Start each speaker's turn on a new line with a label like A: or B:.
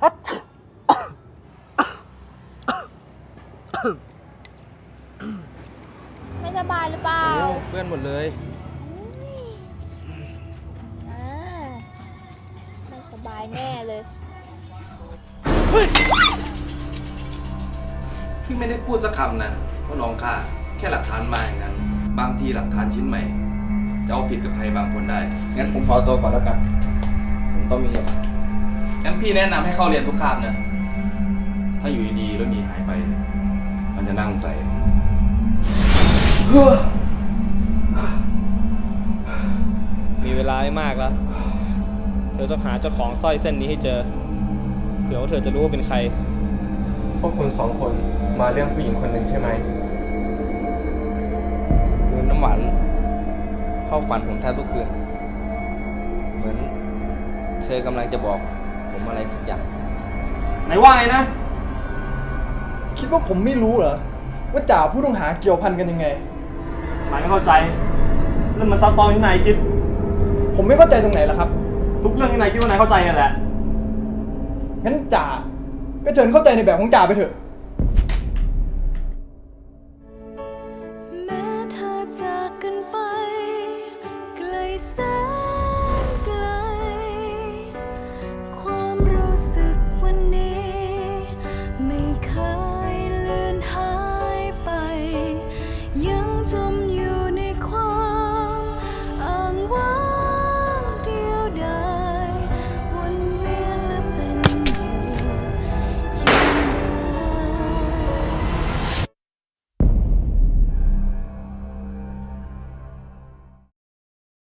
A: ไม่สบายหรือเปล่า
B: เพื่อนหมดเลย
A: ไม่สบายแน่เลย
B: พี่ไม่ได้พูดสักคำนะว่าน้องข้าแค่หลักฐานมาอย่างนั้นบางทีหลักฐานชิ้นใหม่จะเอาผิดกับใครบางคนได้
C: งั้นผมขอตัวก่อนแล้วกันผมต้องมีเรียน
B: งั้นพี่แนะนำให้เข้าเรียนทุกคาบนะถ้าอยู่ดีๆแล้วหนีหายไปมันจะน่าสงสัย
D: มีเวลาไม่มากแล้วเธอต้องหาเจ้าของสร้อยเส้นนี้ให้เจอเผื่อว่าเธอจะรู้ว่าเป็นใคร
E: พวกคุณ2 คนมาเรื่องผู้หญิงคนหนึ่งใช่ไหม
C: คือน้ำหวานเข้าฝันผมแทบทุกคืนเหมือนเธอกำลังจะบอกผมอะไรสักอย่าง
D: ไหนว่าไงนะ
E: คิดว่าผมไม่รู้เหรอว่าจ่าผู้ต้องหาเกี่ยวพันกันยังไง
D: นายไม่เข้าใจเรื่องมันซับซ้อนที่นายคิด
E: ผมไม่เข้าใจตรงไหนล่ะครับ
D: ทุกเรื่องที่นายคิดว่านายเข้าใจกันแหละ
E: งั้นจ่าก็เชิญเข้าใจในแบบของจ่าไปเถอะ